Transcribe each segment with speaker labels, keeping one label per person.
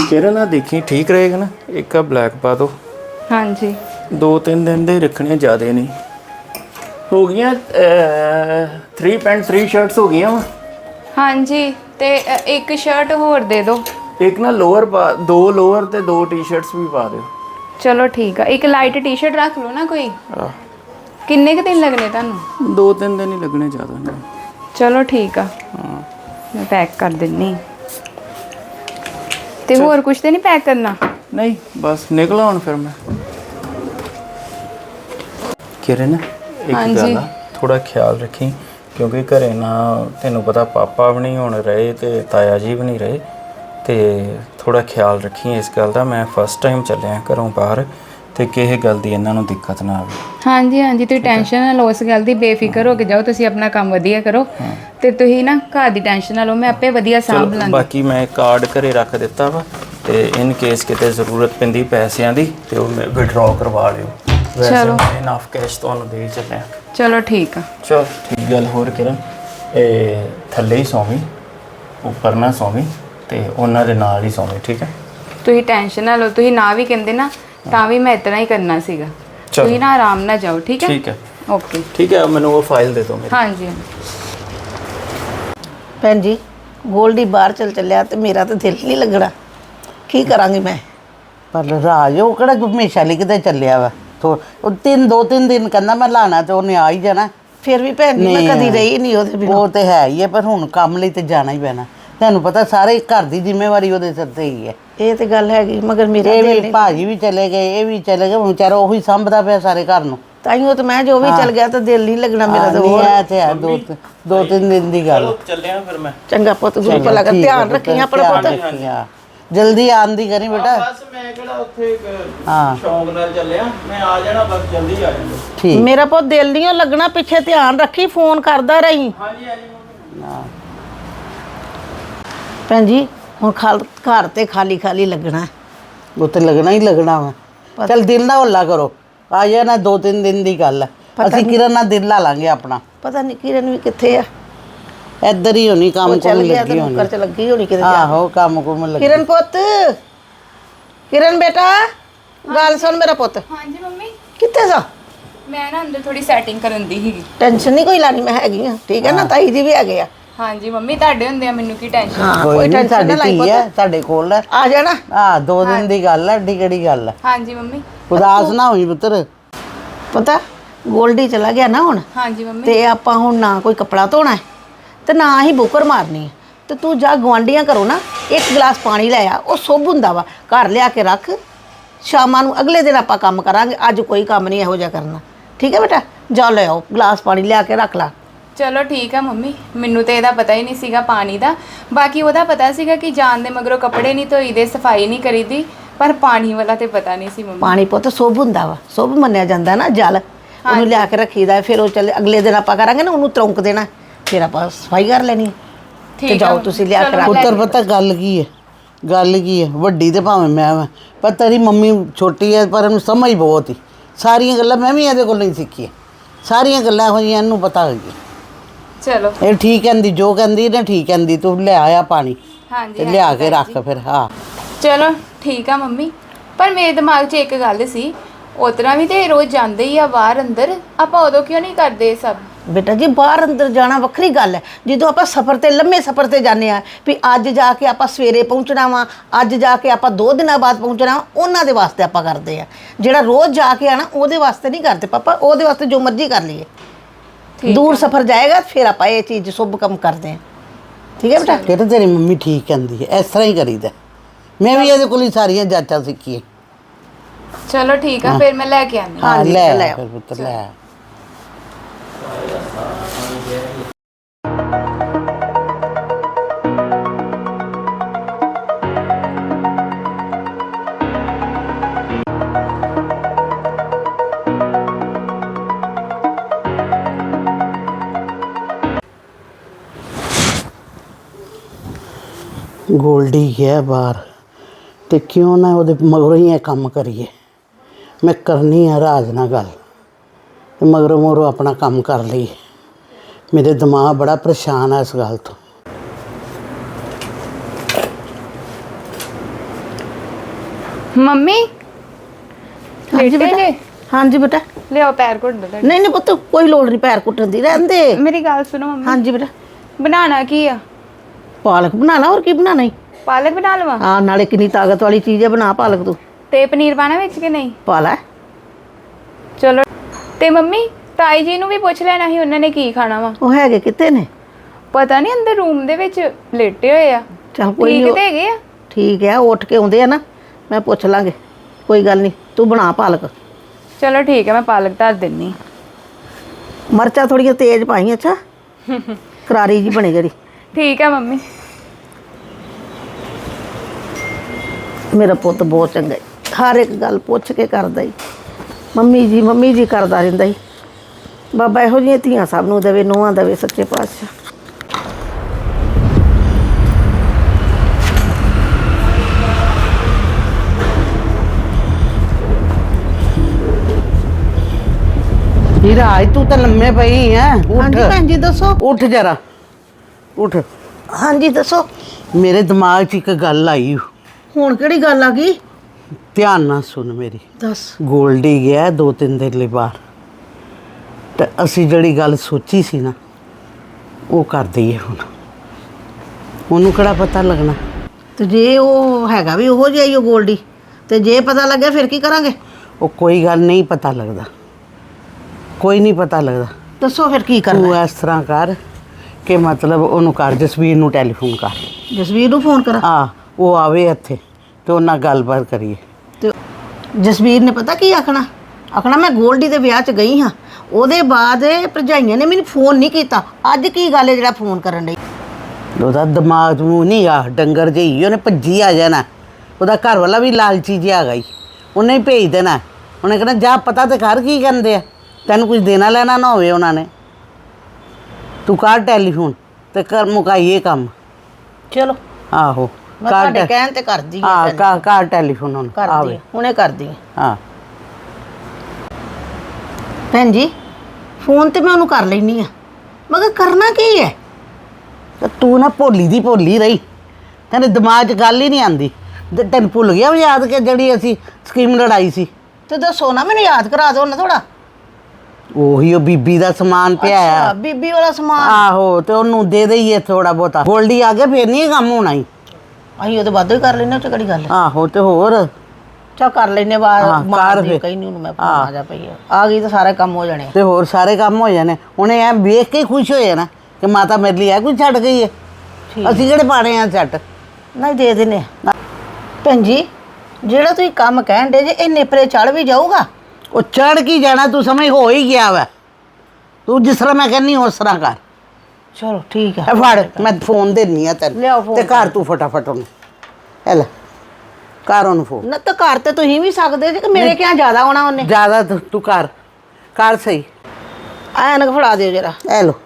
Speaker 1: किरण ना देखी ठीक रहेगा ना। एक का ब्लैक पा दो।
Speaker 2: हाँ जी
Speaker 1: 2-3 दिन दे रखने ज़्यादा नहीं हो गया। 3 पैंट 3 शर्ट्स हो गई वा।
Speaker 2: हाँ जी ते एक शर्ट होर दे दो।
Speaker 1: एक ना लोअर पा 2 लोअर ते 2 टी शर्ट्स भी पा दो।
Speaker 2: चलो ठीक है एक लाइट टी शर्ट रख लो ना कोई। किन्ने क दिन लगने तुहानू?
Speaker 1: 2-3 दिन ही लगने ज़्यादा नहीं।
Speaker 2: चलो ठीक है
Speaker 1: हाँ
Speaker 2: मैं पैक कर दिन्नी। ते होर कुछ तो नहीं पैक करना?
Speaker 1: नहीं बस निकला हूँ फिर मैं। किरण एक
Speaker 2: हाँ
Speaker 1: गल
Speaker 2: जी।
Speaker 1: आ थोड़ा ख्याल रखी क्योंकि घरे ना तेनों पता पापा भी नहीं हुण रहे ते ताया जी भी नहीं रहे ते थोड़ा ख्याल रखी इस गल का। मैं फस्ट टाइम चलिया घरों बाहर ते किसी गल की इन्हां नूं दिक्कत ना आवे।
Speaker 2: हाँ जी तुसीं टेंशन ना लो इस गल की बेफिक्र हो के जाओ। तुसीं अपना काम वधिया करो ते तुसीं ना घर की टेंशन ना लो। मैं आपे वधिया सांभ
Speaker 1: चलो
Speaker 2: लांगी।
Speaker 1: बाकी मैं कार्ड घरे रख दिता वा ते इन केस किते जरूरत पैंदी पैसिਆਂ ਦੀ ते ਉਹ विड्रॉ करवा लियो। वैसे
Speaker 2: चलो।
Speaker 1: मैं इनफ कैश ਤੁਹਾਨੂੰ ਦੇ ਚੱਲਿਆ।
Speaker 2: चलो ठीक है।
Speaker 1: ਚਲ ਠੀਕ ਗੱਲ ਹੋਰ ਕਿਰਨ ਇਹ ਥੱਲੇ ਹੀ ਸੌਵੀਂ ਉੱਪਰ ਨਾ ਸੌਵੀਂ ਤੇ ਉਹਨਾਂ ਦੇ ਨਾਲ ਹੀ ਸੌਵੀਂ ਠੀਕ ਹੈ।
Speaker 2: तुसीं टेंशन ना लो। तुसीं ना भी कहंदे ना तां भी मैं इतना ही करना सीगा।
Speaker 1: चलो।
Speaker 2: तुसीं ना आराम ना जाओ ठीक है।
Speaker 1: ठीक है
Speaker 2: ओके
Speaker 1: ठीक है। मैंने वो फाइल दे दो मेरी।
Speaker 2: हाँ जी
Speaker 3: ਭੈਣ ਜੀ ਗੋਲਡੀ ਬਾਹਰ ਚੱਲਿਆ ਤੇ ਮੇਰਾ ਤਾਂ ਦਿਲ ਨਹੀਂ ਲੱਗਣਾ। ਕੀ ਕਰਾਂਗੀ ਮੈਂ?
Speaker 4: ਪਰ ਰਾਜ ਉਹ ਕਿਹੜਾ ਹਮੇਸ਼ਾ ਲਈ ਕਿਤੇ ਚੱਲਿਆ ਵਾ ਉਹ 2-3 ਦਿਨ ਕਹਿੰਦਾ ਮੈਂ ਲਾਣਾ ਤੇ ਉਹਨੇ ਆ ਹੀ ਜਾਣਾ।
Speaker 3: ਫਿਰ ਵੀ ਭੈਣ ਜੀ ਮੈਂ
Speaker 4: ਨਹੀਂ
Speaker 3: ਕਦੀ ਰਹੀ ਨਹੀਂ ਉਹਦੇ ਬਿਨਾਂ।
Speaker 4: ਉਹ ਤੇ ਹੈ ਹੀ ਹੈ ਪਰ ਹੁਣ ਕੰਮ ਲਈ ਤੇ ਜਾਣਾ ਹੀ ਪੈਣਾ। ਤੁਹਾਨੂੰ ਪਤਾ ਸਾਰੇ ਘਰ ਦੀ ਜ਼ਿੰਮੇਵਾਰੀ ਉਹਦੇ ਸਿਰ ਤੇ ਹੀ ਹੈ।
Speaker 3: ਇਹ ਤੇ ਗੱਲ ਹੈਗੀ ਮਗਰ ਮੇਰਾ
Speaker 4: ਇਹ
Speaker 3: ਦਿਲ
Speaker 4: ਵੀ
Speaker 3: ਨਹੀਂ।
Speaker 4: ਭਾਜੀ ਵੀ ਚਲੇ ਗਏ ਇਹ ਵੀ ਚਲੇ ਗਏ ਹੁਣ ਵਿਚਾਰਾ ਉਹੀ ਸੰਭਦਾ ਪਿਆ ਸਾਰੇ ਘਰ ਨੂੰ।
Speaker 3: ਤਾਈਓ ਤਾਂ ਮੈਂ ਜੋ ਵੀ ਚੱਲ ਗਿਆ ਤਾਂ ਦਿਲ ਨਹੀਂ ਲੱਗਣਾ ਮੇਰਾ ਤਾਂ।
Speaker 4: ਨਹੀਂ
Speaker 3: ਹੋਰ
Speaker 4: ਇਹ ਤੇ ਹੈ 2-3 ਦਿਨ ਦੀ ਗੱਲ।
Speaker 1: ਚਲੋ ਚੱਲਿਆ ਫਿਰ ਮੈਂ।
Speaker 3: ਚੰਗਾ ਪੁੱਤ ਗੁਰੂ ਭਲਾ ਕਰ ਧਿਆਨ ਰੱਖੀ ਆਪਣਾ ਪੁੱਤ।
Speaker 4: ਜਲਦੀ ਆਉਣ ਦੀ ਕਰੀ ਬੇਟਾ।
Speaker 1: ਬਸ ਮੈਂ ਕਿਹੜਾ ਉੱਥੇ
Speaker 4: ਹਾਂ
Speaker 1: ਸ਼ੌਂਕ ਨਾਲ ਚੱਲਿਆ ਮੈਂ ਆ ਜਾਣਾ ਬਸ ਜਲਦੀ ਆ ਜਾਣਾ।
Speaker 4: ਠੀਕ
Speaker 3: ਮੇਰਾ ਪੁੱਤ ਦਿਲ ਨਹੀਂ ਲੱਗਣਾ ਪਿੱਛੇ ਧਿਆਨ ਰੱਖੀ ਫੋਨ ਕਰਦਾ ਰਹੀ।
Speaker 1: ਹਾਂਜੀ ਹਾਂਜੀ ਮੰਮੀ।
Speaker 3: ਭੈਣ ਜੀ ਹੁਣ ਘਰ ਤੇ ਖਾਲੀ ਖਾਲੀ ਲੱਗਣਾ।
Speaker 4: ਉਹ ਤੇ ਲੱਗਣਾ ਹੀ ਲੱਗਣਾ ਵਾ। ਚਲ ਦਿਲ ਨਾ ਹੌਲਾ ਕਰੋ ਆ ਜਾਣਾ 2-3 ਦਿਨ ਦੀ ਗੱਲ ਹੈ। ਅਸੀਂ ਕਿਰਨ ਨਾਲ ਦਿਲ ਲਾ ਲਾਂਗੇ ਆਪਣਾ।
Speaker 3: ਪਤਾ ਨਹੀਂ ਕਿਰਨ ਵੀ ਕਿੱਥੇ ਆ।
Speaker 4: ਇੱਧਰ ਹੀ ਹੋਣੀ ਕੰਮ
Speaker 3: ਚੱਲ
Speaker 4: ਕੋਲ
Speaker 3: ਗਿਆ
Speaker 4: ਲੱਗੀ
Speaker 3: ਤੇ
Speaker 4: ਹੋਣੀ।
Speaker 3: ਨੌਕਰ ਚ ਲੱਗੀ ਹੋਣੀ ਕਿਤੇ।
Speaker 4: ਆਹੋ ਕੰਮ ਕੋਲ ਲੱਗੀ।
Speaker 3: ਕਿਰਨ ਪੁੱਤ ਕਿਰਨ ਬੇਟਾ ਗੱਲ ਸੁਣ ਮੇਰਾ ਪੁੱਤ।
Speaker 2: हाँ जी मम्मी
Speaker 3: ਕਿੱਥੇ ਜਾ?
Speaker 2: मैं ना अंदर थोड़ी सैटिंग करन दी ही।
Speaker 3: ਟੈਨਸ਼ਨ ਨਹੀਂ ਕੋਈ ਲੈਣੀ ਮੈਂ ਹੈਗੀ ਆ ਠੀਕ ਹੈ ਨਾ। ਤਾਈ ਜੀ ਵੀ ਹੈਗੇ ਆ।
Speaker 2: हाँ जी मम्मी ਤੁਹਾਡੇ ਹੁੰਦੇ ਆ ਮੈਨੂੰ ਕੀ ਟੈਨਸ਼ਨ।
Speaker 3: ਹਾਂ
Speaker 4: ਕੋਈ
Speaker 3: ਕੋਈ
Speaker 4: ਨਹੀਂ
Speaker 3: ਟੈਨਸ਼ਨ
Speaker 4: ਸਾਡੀ
Speaker 3: ਨਾ ਲਈ
Speaker 4: ਧੀ ਹੈ
Speaker 3: ਪੁੱਤ।
Speaker 4: ਸਾਡੇ ਕੋਲ ਹੈ।
Speaker 3: ਆ ਜਾਣਾ।
Speaker 4: 2 ਦਿਨ ਦੀ ਗੱਲ ਹੈ ਏਡੀ ਕਿਹੜੀ ਗੱਲ ਹੈ।
Speaker 2: हाँ जी मम्मी।
Speaker 4: ਉਦਾਸ ਨਾ ਹੋਈ ਪੁੱਤਰ।
Speaker 3: ਪਤਾ ਗੋਲਡੀ ਚਲਾ ਗਿਆ ਨਾ ਹੁਣ
Speaker 2: हाँ जी मम्मी।
Speaker 3: ਤੇ ਆਪਾਂ ਹੁਣ ਨਾ ਕੋਈ ਕੱਪੜਾ ਧੋਣਾ ਹੈ ਤੇ ਨਾ ਹੀ ਬੁਕਰ ਮਾਰਨੀ ਹੈ ਤੇ ਤੂੰ ਜਾ ਗਵਾਂਡੀਆਂ ਕਰੋ ਨਾ 1 ਗਲਾਸ ਪਾਣੀ ਲੈ ਆ। ਉਹ ਸੁੱਭ ਹੁੰਦਾ ਵਾ ਘਰ ਲਿਆ ਕੇ ਰੱਖ। ਸ਼ਾਮਾਂ ਨੂੰ ਅਗਲੇ ਦਿਨ ਆਪਾਂ ਕੰਮ ਕਰਾਂਗੇ। ਅੱਜ ਕੋਈ ਕੰਮ ਨਹੀਂ ਇਹੋ ਜਿਹਾ ਕਰਨਾ ਠੀਕ ਹੈ ਬੇਟਾ। ਜਾ ਲੈ ਆਓ ਗਲਾਸ ਪਾਣੀ ਲਿਆ ਕੇ ਰੱਖ ਲਾ।
Speaker 2: ਚਲੋ ਠੀਕ ਆ ਮੰਮੀ ਮੈਨੂੰ ਤੇ ਇਹਦਾ ਪਤਾ ਹੀ ਨਹੀਂ ਸੀਗਾ ਪਾਣੀ ਦਾ। ਬਾਕੀ ਉਹਦਾ ਪਤਾ ਸੀਗਾ ਕਿ ਜਾਣ ਦੇ ਮਗਰੋਂ ਕੱਪੜੇ ਨਹੀਂ ਧੋਈਦੇ ਸਫਾਈ ਨਹੀਂ ਕਰੀਦੀ ਪਰ ਪਾਣੀ ਵਾਲਾ ਤੇ ਪਤਾ ਨਹੀਂ ਸੀ ਮੰਮੀ।
Speaker 3: ਪਾਣੀ ਪੁੱਤ ਸੁੱਭ ਹੁੰਦਾ ਵਾ ਸੁੱਭ ਮੰਨਿਆ ਜਾਂਦਾ ਨਾ ਜਲ। ਉਹਨੂੰ ਲਿਆ ਕੇ ਰੱਖੀਦਾ ਫਿਰ ਉਹ ਚੱਲੇ ਅਗਲੇ ਦਿਨ ਆਪਾਂ ਕਰਾਂਗੇ ਨਾ ਉਹਨੂੰ ਤਰੌਂਕ ਦੇਣਾ ਫਿਰ ਆਪਾਂ ਸਫਾਈ ਕਰ ਲੈਣੀ ਤੇ
Speaker 2: ਠੀਕ ਆ
Speaker 3: ਜਾਓ ਤੁਸੀਂ ਲਿਆ ਕੇ
Speaker 2: ਚਲੋ
Speaker 3: ਰੱਖ।
Speaker 4: ਪੁੱਤਰ ਪਤਾ ਗੱਲ ਕੀ ਹੈ ਵੱਡੀ ਤੇ ਭਾਵੇਂ ਮੈਂ ਵਾਂ ਪਰ ਤੇਰੀ ਮੰਮੀ ਛੋਟੀ ਹੈ ਪਰ ਇਹਨੂੰ ਸਮਝ ਬਹੁਤ ਹੀ ਸਾਰੀਆਂ ਗੱਲਾਂ ਮੈਂ ਵੀ ਇਹਦੇ ਕੋਲ ਨਹੀਂ ਸਿੱਖੀਆਂ। ਸਾਰੀਆਂ ਗੱਲਾਂ ਇਹੋ ਜਿਹੀਆਂ ਇਹਨੂੰ ਪਤਾ ਹੋਈਆਂ।
Speaker 2: ਚਲੋ
Speaker 4: ਇਹ ਠੀਕ ਕਹਿੰਦੀ ਜੋ ਕਹਿੰਦੀ ਨਾ ਠੀਕ ਕਹਿੰਦੀ ਤੂੰ ਲੈ ਆਇਆ ਪਾਣੀ
Speaker 2: ਹਾਂਜੀ
Speaker 4: ਤੇ ਲਿਆ ਕੇ ਰੱਖ ਫਿਰ। ਹਾਂ
Speaker 2: ਚਲੋ ਠੀਕ ਆ ਮੰਮੀ ਪਰ ਮੇਰੇ ਦਿਮਾਗ 'ਚ ਇੱਕ ਗੱਲ ਸੀ ਉਤਰਾ ਵੀ ਤੇ ਰੋਜ਼ ਜਾਂਦੇ ਹੀ ਆ ਬਾਹਰ ਅੰਦਰ ਆਪਾਂ ਉਦੋਂ ਕਿਉਂ ਨਹੀਂ ਕਰਦੇ ਇਹ ਸਭ?
Speaker 3: ਬੇਟਾ ਜੀ ਬਾਹਰ ਅੰਦਰ ਜਾਣਾ ਵੱਖਰੀ ਗੱਲ ਹੈ। ਜਦੋਂ ਆਪਾਂ ਸਫ਼ਰ ਤੇ ਲੰਮੇ ਸਫ਼ਰ ਤੇ ਜਾਂਦੇ ਆ ਵੀ ਅੱਜ ਜਾ ਕੇ ਆਪਾਂ ਸਵੇਰੇ ਪਹੁੰਚਣਾ ਵਾ ਅੱਜ ਜਾ ਕੇ ਆਪਾਂ 2 ਦਿਨਾਂ ਬਾਅਦ ਪਹੁੰਚਣਾ ਉਹਨਾਂ ਦੇ ਵਾਸਤੇ ਆਪਾਂ ਕਰਦੇ ਆ। ਜਿਹੜਾ ਰੋਜ਼ ਜਾ ਕੇ ਆਣਾ ਉਹਦੇ ਵਾਸਤੇ ਨਹੀਂ ਕਰਦੇ ਪਾਪਾ। ਉਹਦੇ ਵਾਸਤੇ ਜੋ ਮਰਜ਼ੀ ਕਰ ਲਈਏ। ਦੂਰ ਸਫ਼ਰ ਜਾਏਗਾ ਫਿਰ ਆਪਾਂ ਇਹ ਚੀਜ਼ ਸ਼ੁਭ ਕੰਮ ਕਰਦੇ ਆ ਠੀਕ ਹੈ ਬੇਟਾ।
Speaker 4: ਕਿ ਤੇਰੀ ਮੰਮੀ ਠੀਕ ਕਹਿੰਦੀ ਹੈ ਇਸ ਤਰ੍ਹਾਂ ਹੀ ਕਰੀਦਾ। ਮੈਂ ਵੀ ਇਹਦੇ ਕੋਲ ਹੀ ਸਾਰੀਆਂ ਜਾਚਾਂ ਸਿੱਖੀਆਂ।
Speaker 2: ਚਲੋ ਠੀਕ ਆ ਫਿਰ ਮੈਂ ਲੈ ਕੇ ਆਉਂਦੀ
Speaker 4: ਹਾਂ
Speaker 3: ਹਾਂਜੀ,
Speaker 4: ਲੈ
Speaker 3: ਲੈ
Speaker 4: ਆ ਫਿਰ ਪੁੱਤਰ ਲੈ ਆ। ਗੋਲਡੀ ਗਿਆ ਬਾਹਰ ਤੇ ਕਿਉਂ ਨਾ ਉਹਦੇ ਮਗਰੋਂ ਹੀ ਇਹ ਕੰਮ ਕਰੀਏ। ਮੈਂ ਕਰਨੀ ਆ ਰਾਜ ਨਾਲ ਗੱਲ ਤੇ ਮਗਰੋਂ ਆਪਣਾ ਕੰਮ ਕਰ ਲਈ। ਮੇਰੇ ਦਿਮਾਗ ਬੜਾ ਪਰੇਸ਼ਾਨ ਹੈ ਇਸ ਗੱਲ ਤੋਂ।
Speaker 2: ਮੰਮੀ
Speaker 3: ਹਾਂਜੀ
Speaker 2: ਲੇਟੇ
Speaker 3: ਬੇਟਾ
Speaker 2: ਜੇ?
Speaker 3: ਹਾਂਜੀ ਬੇਟਾ
Speaker 2: ਲਿਆਓ ਪੈਰ ਘੁੱਟ ਦੋ ਤੁਹਾਡੇ।
Speaker 3: ਨਹੀਂ ਨਹੀਂ ਪੁੱਤ ਕੋਈ ਲੋੜ ਨਹੀਂ ਪੈਰ ਕੁੱਟਣ ਦੀ, ਰਹਿੰਦੇ।
Speaker 2: ਮੇਰੀ ਗੱਲ ਸੁਣੋ ਮੰਮੀ,
Speaker 3: ਹਾਂਜੀ ਬੇਟਾ
Speaker 2: ਬਣਾਉਣਾ ਕੀ ਆ?
Speaker 3: ਪਾਲਕ ਬਣਾ ਲਾ, ਹੋਰ ਕੀ ਬਣਾਣਾ ਈ?
Speaker 2: ਪਾਲਕ ਬਣਾ ਲਵਾਂ?
Speaker 3: ਹਾਂ, ਨਾਲੇ ਕਿੰਨੀ ਤਾਕਤ ਵਾਲੀ ਚੀਜ਼ ਹੈ, ਬਣਾ ਪਾਲਕ ਤੂੰ।
Speaker 2: ਤੇ ਪਨੀਰ ਪਾਣਾ ਵਿੱਚ ਕਿ ਨਹੀਂ?
Speaker 3: ਪਾ ਲੈ।
Speaker 2: ਚਲੋ। ਤੇ ਮੰਮੀ ਤਾਈ ਜੀ ਨੂੰ ਵੀ ਪੁੱਛ ਲੈਣਾ ਸੀ ਉਹਨਾਂ ਨੇ ਕੀ ਖਾਣਾ ਵਾ।
Speaker 3: ਉਹ ਹੈਗੇ ਕਿੱਥੇ ਨੇ?
Speaker 2: ਪਤਾ ਨਹੀਂ, ਅੰਦਰ ਰੂਮ ਦੇ ਵਿੱਚ ਲੇਟੇ ਹੋਏ ਆ।
Speaker 3: ਚਲ ਕੋਈ
Speaker 2: ਠੀਕ
Speaker 3: ਨਹੀਂ,
Speaker 2: ਤੇ ਹੈਗੇ ਆ।
Speaker 3: ਠੀਕ ਹੈ, ਉੱਠ ਕੇ ਆਉਂਦੇ ਆ ਨਾ, ਮੈਂ ਪੁੱਛ ਲਾਂਗੇ, ਕੋਈ ਗੱਲ ਨਹੀਂ, ਤੂੰ ਬਣਾ ਪਾਲਕ।
Speaker 2: ਚਲੋ ਠੀਕ ਹੈ, ਮੈਂ ਪਾਲਕ ਧਰ ਦਿੰਨੀ।
Speaker 3: ਮਰਚਾਂ ਥੋੜੀਆਂ ਤੇਜ਼ ਪਾਈ, ਅੱਛਾ ਕਰਾਰੀ ਜੀ ਬਣੇ ਜਿਹੜੀ।
Speaker 2: ਠੀਕ ਹੈ ਮੰਮੀ।
Speaker 3: ਮੇਰਾ ਪੁੱਤ ਬਹੁਤ ਚੰਗਾ ਈ, ਹਰ ਇੱਕ ਗੱਲ ਪੁੱਛ ਕੇ ਕਰਦਾ ਈ। ਮੰਮੀ ਜੀ ਕਰਦਾ ਰਹਿੰਦਾ ਈ। ਬਾਬਾ ਇਹੋ ਜਿਹੀਆਂ ਧੀਆਂ ਸਭ ਨੂੰ ਦੇਵੇ, ਨੂੰਹਾਂ ਦੇਵੇ ਸੱਚੇ ਪਾਤਸ਼ਾਹ।
Speaker 4: ਰਾਜ ਤੂੰ ਤਾਂ ਲੰਮੇ ਪਈ ਹੈ, ਉੱਠ
Speaker 3: ਹਾਂਜੀ ਭੈਣ ਜੀ ਦੱਸੋ।
Speaker 4: ਉੱਠ ਜਰਾ, ਉੱਠ।
Speaker 3: ਹਾਂਜੀ ਦੱਸੋ।
Speaker 4: ਮੇਰੇ ਦਿਮਾਗ 'ਚ ਇੱਕ ਗੱਲ ਆਈ,
Speaker 3: ਹੁਣ ਕਿਹੜੀ ਗੱਲ ਆ ਗਈ?
Speaker 4: ਧਿਆਨ ਨਾਲ ਸੁਣ ਮੇਰੀ।
Speaker 3: ਦੱਸ।
Speaker 4: ਗੋਲਡੀ ਗਿਆ 2-3 ਦਿਨ ਲਈ ਬਾਹਰ, ਤੇ ਅਸੀਂ ਜਿਹੜੀ ਗੱਲ ਸੋਚੀ ਸੀ ਨਾ ਉਹ ਕਰ ਦਈਏ ਹੁਣ। ਉਹਨੂੰ ਕਿਹੜਾ ਪਤਾ ਲੱਗਣਾ?
Speaker 3: ਤੇ ਜੇ ਉਹ ਹੈਗਾ ਵੀ ਉਹੋ ਜਿਹਾ ਹੀ ਉਹ ਗੋਲਡੀ, ਤੇ ਜੇ ਪਤਾ ਲੱਗਿਆ ਫਿਰ ਕੀ ਕਰਾਂਗੇ?
Speaker 4: ਉਹ ਕੋਈ ਗੱਲ ਨਹੀਂ ਪਤਾ ਲੱਗਦਾ, ਕੋਈ ਨਹੀਂ ਪਤਾ ਲੱਗਦਾ।
Speaker 3: ਦੱਸੋ ਫਿਰ ਕੀ
Speaker 4: ਤੂੰ
Speaker 3: ਕਰਨਾ?
Speaker 4: ਇਸ ਤਰ੍ਹਾਂ ਕਰ ਕਿ ਮਤਲਬ ਉਹਨੂੰ ਕਰ, ਜਸਵੀਰ ਨੂੰ ਟੈਲੀਫੋਨ ਕਰ।
Speaker 3: ਜਸਵੀਰ ਨੂੰ ਫੋਨ ਕਰਾਂ?
Speaker 4: ਹਾਂ, ਉਹ ਆਵੇ ਇੱਥੇ ਤੇ ਉਹਨਾਂ ਗੱਲਬਾਤ ਕਰੀਏ।
Speaker 3: ਤੇ ਜਸਵੀਰ ਨੇ ਪਤਾ ਕੀ ਆਖਣਾ ਮੈਂ ਗੋਲਡੀ ਦੇ ਵਿਆਹ 'ਚ ਗਈ ਹਾਂ, ਉਹਦੇ ਬਾਅਦ ਭਰਜਾਈਆਂ ਨੇ ਮੈਨੂੰ ਫੋਨ ਨਹੀਂ ਕੀਤਾ। ਅੱਜ ਕੀ ਗੱਲ ਹੈ ਜਿਹੜਾ ਫੋਨ ਕਰਨ ਲਈ?
Speaker 4: ਉਹਦਾ ਦਿਮਾਗ ਨੂੰ ਨਹੀਂ ਆ, ਡੰਗਰ ਜਿਹੀ, ਉਹਨੇ ਭੱਜੀ ਆ ਜਾਣਾ। ਉਹਦਾ ਘਰ ਵਾਲਾ ਵੀ ਲਾਲਚੀ ਜਿਹਾ ਹੈਗਾ ਹੀ, ਉਹਨੇ ਹੀ ਭੇਜ ਦੇਣਾ। ਉਹਨੇ ਕਹਿਣਾ ਜਾ ਪਤਾ ਤੇ ਕਰ ਕੀ ਕਹਿੰਦੇ ਆ, ਤੈਨੂੰ ਕੁਝ ਦੇਣਾ ਲੈਣਾ ਨਾ ਹੋਵੇ ਉਹਨਾਂ ਨੇ। ਤੂੰ ਕਰ ਟੈਲੀਫੋਨ ਤੇ ਕਰ ਮੁਕਾਈਏ ਕੰਮ।
Speaker 3: ਚਲੋ
Speaker 4: ਆਹੋ
Speaker 3: ਮੈਂ ਤੁਹਾਡੇ ਕਹਿਣ ਤੇ ਕਰਦੀ ਹਾਂ।
Speaker 4: ਹਾਂ ਕਰ ਟੈਲੀਫੋਨ ਹੁਣ
Speaker 3: ਕਰਦੀ
Speaker 4: ਆਵੇ।
Speaker 3: ਹਾਂ, ਹੁਣੇ ਕਰਦੀ ਹਾਂ।
Speaker 4: ਹਾਂ
Speaker 3: ਭੈਣ ਜੀ ਫੋਨ ਤੇ ਮੈਂ ਉਹਨੂੰ ਕਰ ਲੈਣੀ ਆ, ਮਗਰ ਕਰਨਾ ਕੀ ਹੈ?
Speaker 4: ਤੇ ਤੂੰ ਨਾ ਭੋਲੀ ਦੀ ਭੋਲੀ ਰਹੀ, ਤੈਨੂੰ ਦਿਮਾਗ 'ਚ ਗੱਲ ਹੀ ਨਹੀਂ ਆਉਂਦੀ। ਤੈਨੂੰ ਭੁੱਲ ਗਿਆ ਵੀ ਯਾਦ ਕਿ ਜਿਹੜੀ ਅਸੀਂ ਸਕੀਮ ਲੜਾਈ ਸੀ?
Speaker 3: ਤੇ ਦੱਸੋ ਨਾ, ਮੈਨੂੰ ਯਾਦ ਕਰਾ ਦਿਓ ਨਾ ਥੋੜਾ।
Speaker 4: ਉਹੀ ਉਹ ਬੀਬੀ ਦਾ ਸਮਾਨ ਪਿਆ
Speaker 3: ਅੱਛਾ,
Speaker 4: ਆ।
Speaker 3: ਬੀਬੀ ਵਾਲਾ ਸਮਾਨ।
Speaker 4: ਆਹੋ, ਤੇ ਉਹਨੂੰ ਦੇ ਦੇਈਏ ਥੋੜਾ ਬਹੁਤਾ। ਗੋਲਡੀ ਆ ਗਿਆ ਫੇਰ ਨਹੀਂ ਇਹ ਕੰਮ ਹੋਣਾ ਹੀ।
Speaker 3: ਅਸੀਂ ਉਹਦੇ ਵਾਧੂ ਹੀ ਕਰ ਲੈਣੇ, ਉਹ 'ਚ ਕਿਹੜੀ ਗੱਲ ਹੈ?
Speaker 4: ਆਹੋ ਤੇ ਹੋਰ
Speaker 3: ਚਾ ਕਰ ਲੈਨੇ
Speaker 4: ਹਾਂ,
Speaker 3: ਬਾਅਦ ਮਾਰ
Speaker 4: ਕਰ
Speaker 3: ਦੇ
Speaker 4: ਫਿਰ।
Speaker 3: ਕਈ ਨੂੰ ਮੈਂ ਫੋਨ ਆ ਜਾ ਪਈ ਆ ਗਈ ਤਾਂ ਸਾਰੇ ਕੰਮ ਹੋ ਜਾਣੇ।
Speaker 4: ਤੇ ਹੋਰ ਸਾਰੇ ਕੰਮ ਹੋ ਜਾਣੇ। ਉਹਨੇ ਐ ਵੇਖ ਕੇ ਹੀ ਖੁਸ਼ ਹੋ ਜਾਣਾ ਕਿ ਮਾਤਾ ਮੇਰੇ ਲਈ ਆ ਕੁਝ ਛੱਡ ਗਈ ਹੈ। ਅਸੀਂ ਕਿਹੜੇ ਪਾਣੇ ਆ ਛੱਟ?
Speaker 3: ਨਹੀਂ ਦੇ ਦਿੰਨੇ ਆ। ਭੈਣ ਜੀ ਜਿਹੜਾ ਤੁਸੀਂ ਕੰਮ ਕਹਿਣ ਦੇ ਜੇ ਇਹ ਨੇਪਰੇ ਚੜ ਵੀ ਜਾਊਗਾ?
Speaker 4: ਉਹ ਚੜ ਕੀ ਜਾਣਾ, ਤੂੰ ਸਮਝ ਹੋ ਹੀ ਗਿਆ ਵਾ। ਤੂੰ ਜਿਸ ਤਰ੍ਹਾਂ ਮੈਂ ਕਹਿੰਨੀ ਉਸ ਤਰ੍ਹਾਂ ਕਰ।
Speaker 3: ਚਲੋ ਠੀਕ ਹੈ।
Speaker 4: ਇਹ ਫੜ, ਮੈਂ ਫੋਨ ਦੇਣੀ ਆ
Speaker 3: ਲਿਆਓ
Speaker 4: ਤੈਨੂੰ
Speaker 3: ਫੋਨ
Speaker 4: ਤੇ ਘਰ ਤੂੰ ਫਟਾਫਟ ਉਹਨੂੰ ਇਹ ਲੈ ਕਰ ਉਹਨੂੰ ਫੋਨ।
Speaker 3: ਨਾ ਤਾਂ ਘਰ ਤੇ ਤੁਸੀਂ ਵੀ ਸਕਦੇ ਜੇ ਕਿ ਮੇਰੇ ਕਿਹਾ ਜ਼ਿਆਦਾ ਆਉਣਾ ਉਹਨੇ।
Speaker 4: ਜ਼ਿਆਦਾ ਤੂੰ ਕਰ ਸਹੀ।
Speaker 3: ਐਨਕ ਫੜਾ ਦਿਓ ਜਰਾ।
Speaker 4: ਇਹ ਲੋ,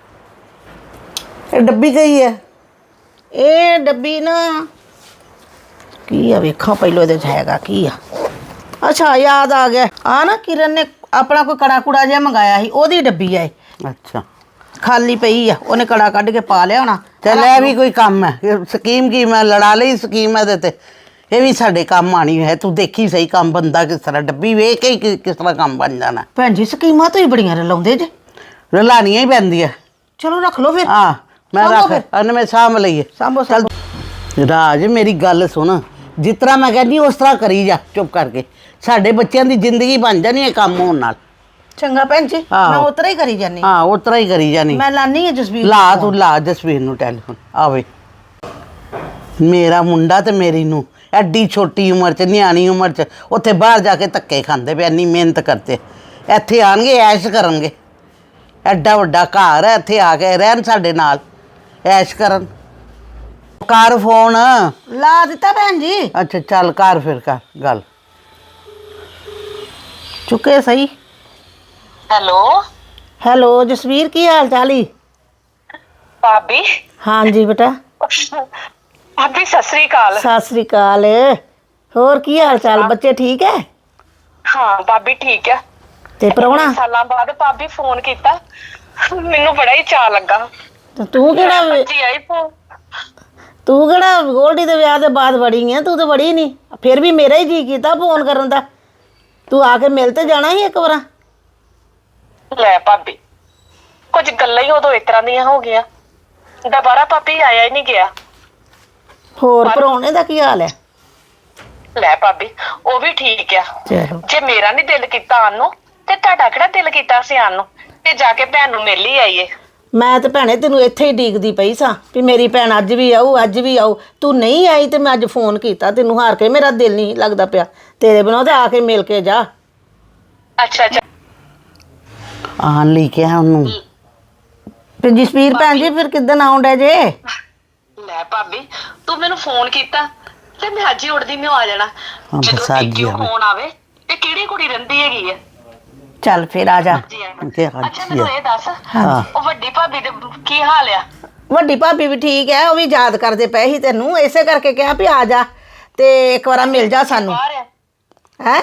Speaker 4: ਇਹ ਡੱਬੀ ਗਈ ਹੈ।
Speaker 3: ਇਹ ਡੱਬੀ ਨਾ ਕੀ ਆ, ਵੇਖਾਂ ਪਹਿਲੋਂ ਇਹਦੇ 'ਚ ਹੈਗਾ ਕੀ ਆ। ਅੱਛਾ ਯਾਦ ਆ ਗਿਆ, ਆ ਨਾ ਕਿਰਨ ਨੇ ਆਪਣਾ ਕੋਈ ਕੜਾ ਕੁੜਾ ਜਿਹਾ ਮੰਗਾਇਆ ਸੀ, ਉਹਦੀ ਡੱਬੀ ਆ ਇਹ।
Speaker 4: ਅੱਛਾ,
Speaker 3: ਖਾਲੀ ਪਈ ਆ, ਉਹਨੇ ਕੜਾ ਕੱਢ ਕੇ ਪਾ ਲਿਆ ਹੋਣਾ।
Speaker 4: ਚੱਲ ਇਹ ਵੀ ਕੋਈ ਕੰਮ ਹੈ। ਇਹ ਸਕੀਮ ਕੀ ਮੈਂ ਲੜਾ ਲਈ ਸਕੀਮ ਇਹਦੇ ਤੇ, ਇਹ ਵੀ ਸਾਡੇ ਕੰਮ ਆਣੀ ਹੈ। ਤੂੰ ਦੇਖੀ ਸਹੀ ਕੰਮ ਬੰਦਾ ਕਿਸ ਤਰ੍ਹਾਂ, ਡੱਬੀ ਵੇਖ ਕੇ ਹੀ ਕਿਸ ਤਰ੍ਹਾਂ ਕੰਮ ਬਣ ਜਾਣਾ।
Speaker 3: ਭੈਣ ਜੀ ਸਕੀਮਾਂ ਤੋਂ ਹੀ ਬੜੀਆਂ ਰਲਾਉਂਦੇ ਜੇ।
Speaker 4: ਰਲਾਣੀਆਂ ਹੀ ਪੈਂਦੀਆਂ।
Speaker 3: ਚਲੋ ਰੱਖ ਲਓ ਫਿਰ।
Speaker 4: ਹਾਂ ਮੈਂ
Speaker 3: ਸਾਂਭੋ
Speaker 4: ਰੱਖ
Speaker 3: ਫਿਰ।
Speaker 4: ਅਨ ਮੈਂ ਸਾਂਭ ਲਈਏ।
Speaker 3: ਸਾਂਭੋ
Speaker 4: ਚੱਲ ਰਾਜ ਮੇਰੀ ਗੱਲ ਸੁਣ, ਜਿਸ ਤਰ੍ਹਾਂ ਮੈਂ ਕਹਿੰਦੀ ਉਸ ਤਰ੍ਹਾਂ ਕਰੀ ਜਾ ਚੁੱਪ ਕਰਕੇ। ਸਾਡੇ ਬੱਚਿਆਂ ਦੀ ਜ਼ਿੰਦਗੀ ਬਣ ਜਾਣੀ ਹੈ ਕੰਮ ਹੋਣ ਨਾਲ।
Speaker 3: ਚੰਗਾ ਭੈਣ ਜੀ,
Speaker 4: ਆਹੋ।
Speaker 3: ਮੈਂ ਉਤਰਾ ਹੀ ਕਰੀ ਜਾਨੀ।
Speaker 4: ਹਾਂ ਉਸ ਤਰ੍ਹਾਂ ਹੀ ਕਰੀ ਜਾਣੀ।
Speaker 3: ਮੈਂ ਲਾਨੀ ਆ ਜਸਵੀਰ
Speaker 4: ਲਾ ਤੂੰ ਲਾ ਜਸਵੀਰ ਨੂੰ ਟੈਲੀਫੋਨ ਆਵੇ। ਮੇਰਾ ਮੁੰਡਾ ਤੇ ਮੇਰੀ ਨੂੰ ਐਡੀ ਛੋਟੀ ਉਮਰ 'ਚ, ਨਿਆਣੀ ਉਮਰ 'ਚ ਉੱਥੇ ਬਾਹਰ ਜਾ ਕੇ ਧੱਕੇ ਖਾਂਦੇ ਪਏ, ਇੰਨੀ ਮਿਹਨਤ ਕਰਦੇ। ਇੱਥੇ ਆਣਗੇ ਐਸ਼ ਕਰਨਗੇ। ਐਡਾ ਵੱਡਾ ਘਰ ਹੈ, ਇੱਥੇ ਆ ਕੇ ਰਹਿਣ ਸਾਡੇ ਨਾਲ ਐਸ਼ ਕਰਨ। ਕਰ ਫੋਨ।
Speaker 3: ਲਾ ਦਿੱਤਾ ਭੈਣ ਜੀ।
Speaker 4: ਅੱਛਾ ਚੱਲ ਕਰ ਫਿਰ ਕਰ ਗੱਲ।
Speaker 3: ਚੁੱਕੇ ਸਹੀ।
Speaker 5: ਹੈਲੋ
Speaker 3: ਹੈਲੋ ਜਸਵੀਰ, ਕੀ ਹਾਲ ਚਾਲ ਈ?
Speaker 5: ਭਾਬੀ।
Speaker 3: ਹਾਂਜੀ ਬੇਟਾ।
Speaker 5: ਭਾਬੀ ਸਤਿ ਸ੍ਰੀ ਅਕਾਲ।
Speaker 3: ਸਤਿ ਸ੍ਰੀ ਅਕਾਲ। ਹੋਰ ਕੀ ਹਾਲ ਚਾਲ, ਬੱਚੇ ਠੀਕ ਹੈ?
Speaker 5: ਹਾਂ ਭਾਬੀ ਠੀਕ ਆ।
Speaker 3: ਤੇ ਪ੍ਰਾਹੁਣਾ?
Speaker 5: ਸਾਲਾਂ ਬਾਅਦ ਭਾਬੀ ਫੋਨ ਕੀਤਾ, ਮੈਨੂੰ ਬੜਾ ਹੀ ਚਾਅ ਲੱਗਾ।
Speaker 3: ਤੇ ਤੂੰ ਕਿਹੜਾ
Speaker 5: ਜੀ ਆਈ ਫੋਨ।
Speaker 3: ਗੋਲਡੀ ਦੇ ਵਿਆਹ ਦੇ ਬਾਅਦ ਵੜੀ ਹੈ? ਤੂੰ ਤਾਂ ਵੜੀ ਨਹੀਂ, ਫਿਰ ਵੀ ਮੇਰਾ ਹੀ ਜੀ ਕੀਤਾ ਫੋਨ ਕਰਨ ਦਾ। ਤੂੰ ਆ ਕੇ ਮਿਲ ਤੇ ਜਾਣਾ ਸੀ ਇੱਕ ਵਾਰ।
Speaker 5: ਲੈ ਭਾਬੀ, ਕੁਝ ਗੱਲਾਂ ਹੀ ਉਦੋਂ ਇਸ ਤਰ੍ਹਾਂ ਦੀਆਂ ਹੋ ਗਈਆਂ, ਦੁਬਾਰਾ ਭਾਬੀ ਆਇਆ ਹੀ ਨਹੀਂ ਗਿਆ।
Speaker 3: ਹੋਰ ਪ੍ਰਾਹੁਣੇ ਦਾ ਕੀ ਹਾਲ ਹੈ?
Speaker 5: ਲੈ ਭਾਬੀ, ਉਹ ਵੀ ਠੀਕ ਆ।
Speaker 3: ਚਲੋ
Speaker 5: ਜੇ ਮੇਰਾ ਨਹੀਂ ਦਿਲ ਕੀਤਾ ਆਉਣ ਨੂੰ ਤੇ ਤੁਹਾਡਾ ਕਿਹੜਾ ਦਿਲ ਕੀਤਾ ਸੀ ਆਉਣ ਨੂੰ? ਤੇ ਜਾ ਕੇ ਭੈਣ ਨੂੰ ਮਿਲ ਹੀ ਆਈਏ।
Speaker 3: ਮੈਂ ਤੇ ਭੈਣੇ ਤੈਨੂੰ ਇੱਥੇ ਹੀ ਡੀਕਦੀ ਪਈ ਸਾਂ ਵੀ ਮੇਰੀ ਭੈਣ ਅੱਜ ਵੀ ਆਊ, ਅੱਜ ਵੀ ਆਊ। ਤੂੰ ਨਹੀਂ ਆਈ ਤੇ ਮੈਂ ਅੱਜ ਫੋਨ ਕੀਤਾ ਤੈਨੂੰ, ਹਾਰ ਕੇ ਮੇਰਾ ਦਿਲ ਨਹੀਂ ਲੱਗਦਾ ਪਿਆ ਤੇਰੇ ਬਿਨਾਂ। ਤੇ ਆ ਕੇ ਮਿਲ ਕੇ ਜਾ।
Speaker 5: ਅੱਛਾ ਅੱਛਾ।
Speaker 4: ਆਣ ਲਈ ਕਿਹਾ ਉਹਨੂੰ।
Speaker 3: ਤੇ ਜਸਵੀਰ ਭੈਣ ਜੀ ਫਿਰ ਕਿੱਦਣ ਆਉਂਦਾ ਜੇ?
Speaker 5: ਲੈ ਭਾਬੀ, ਤੂੰ ਮੈਨੂੰ ਫੋਨ ਕੀਤਾ ਤੇ ਮੈਂ ਅੱਜ ਹੀ ਉੱਠਦੀ ਮੈਂ ਆ ਜਾਣਾ।
Speaker 4: ਹਾਂ,
Speaker 5: ਜਦੋਂ
Speaker 4: ਬਸ ਅੱਜ ਹੀ
Speaker 5: ਪੇਕਿਓ
Speaker 4: ਆਵੇ।
Speaker 5: ਫੋਨ ਆਵੇ ਤੇ ਕਿਹੜੀ ਕੁੜੀ ਰਹਿੰਦੀ ਹੈਗੀ ਆ?
Speaker 3: ਚੱਲ ਫਿਰ ਆ ਜਾ।
Speaker 5: ਜੀ ਆਣਾ।
Speaker 4: ਕਿ ਅੱਜ
Speaker 5: ਅੱਛਾ
Speaker 4: ਹੀ
Speaker 5: ਮੈਨੂੰ
Speaker 4: ਆ।
Speaker 5: ਇਹ ਦੱਸ,
Speaker 4: ਹਾਂ।
Speaker 5: ਉਹ ਵੱਡੀ ਭਾਬੀ ਦੇ ਕੀ ਹਾਲ ਆ?
Speaker 3: ਵੱਡੀ ਭਾਬੀ ਵੀ ਠੀਕ ਹੈ, ਉਹ ਵੀ ਯਾਦ ਕਰਦੇ ਪਏ ਸੀ ਤੈਨੂੰ, ਇਸੇ ਕਰਕੇ ਕਿਹਾ ਵੀ ਆ ਜਾ ਤੇ ਇੱਕ ਵਾਰ ਮਿਲ ਜਾ ਸਾਨੂੰ।
Speaker 5: ਬਾਹਰ ਆ
Speaker 3: ਹੈ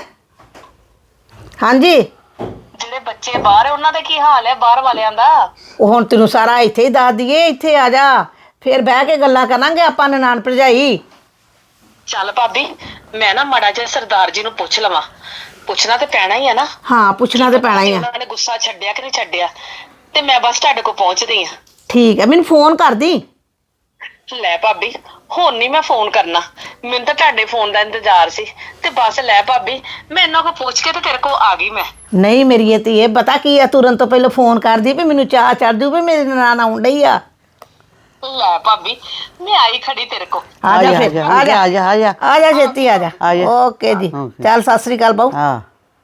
Speaker 3: ਹਾਂਜੀ।
Speaker 5: ਜਿਹੜੇ ਬੱਚੇ ਬਾਹਰ ਆ ਉਹਨਾਂ ਦਾ ਕੀ ਹਾਲ ਹੈ, ਬਾਹਰ ਵਾਲਿਆਂ ਦਾ?
Speaker 3: ਉਹ ਹੁਣ ਤੈਨੂੰ ਸਾਰਾ ਇੱਥੇ ਹੀ ਦੱਸ ਦਈਏ, ਇੱਥੇ ਆ ਜਾ ਫਿਰ ਬਹਿ ਕੇ ਗੱਲਾਂ ਕਰਾਂਗੇ ਆਪਾਂ ਨਨਾਣ ਭਰਜਾਈ।
Speaker 5: ਚੱਲ ਭਾਬੀ, ਮੈਂ ਨਾ ਮਾੜਾ ਜਿਹਾ ਸਰਦਾਰ ਜੀ ਨੂੰ ਪੁੱਛ ਲਵਾਂ। ਪੁੱਛਣਾ ਤੇ ਪੈਣਾ ਹੀ ਆ ਨਾ।
Speaker 3: ਹਾਂ ਪੁੱਛਣਾ ਤੇ ਪੈਣਾ ਹੀ ਆ।
Speaker 5: ਉਹਨਾਂ ਨੇ ਗੁੱਸਾ ਛੱਡਿਆ ਕਿ ਨਹੀਂ ਛੱਡਿਆ, ਤੇ ਮੈਂ ਬਸ ਤੁਹਾਡੇ ਕੋਲ ਪਹੁੰਚਦੀ ਆ।
Speaker 3: ਠੀਕ ਹੈ, ਮੈਨੂੰ ਫੋਨ ਕਰ ਦੀ।
Speaker 5: ਲੈ ਭਾਬੀ, ਹੁਣ ਨਹੀਂ ਮੈਂ ਫੋਨ ਕਰਨਾ, ਮੈਨੂੰ ਤਾਂ ਤੁਹਾਡੇ ਫੋਨ ਦਾ ਇੰਤਜ਼ਾਰ ਸੀ। ਤੇ ਬਸ ਲੈ ਭਾਬੀ, ਮੈਂ ਇਹਨਾਂ ਕੋਲ ਪੁੱਛ ਕੇ ਤੇ ਤੇਰੇ ਕੋਲ ਆ ਗਈ ਮੈਂ।
Speaker 3: ਨਹੀਂ ਮੇਰੀ ਇਹ ਧੀਏ ਪਤਾ ਕੀ ਆ, ਤੁਰਨ ਤੋਂ ਪਹਿਲਾਂ ਫੋਨ ਕਰਦੀ ਵੀ ਮੈਨੂੰ ਚਾਹ ਚੜ ਜੂ ਵੀ ਮੇਰੀ ਨਨਾਣ ਆਉਣ ਡਈ ਆ।
Speaker 5: ਲੈ ਭਾਬੀ, ਮੈਂ ਆਈ ਖੜੀ ਤੇਰੇ ਕੋਲ।
Speaker 3: ਆ ਜਾ ਫਿਰ, ਆ ਜਾ
Speaker 4: ਆ ਜਾ ਆ ਜਾ।
Speaker 3: ਆ ਜਾ ਛੇਤੀ ਆ ਜਾ।
Speaker 4: ਆ ਜਾ।
Speaker 3: ਓਕੇ ਜੀ,
Speaker 4: ਓਕੇ।
Speaker 3: ਚੱਲ ਸਤਿ ਸ੍ਰੀ ਅਕਾਲ ਬਾਊ।
Speaker 4: ਹਾਂ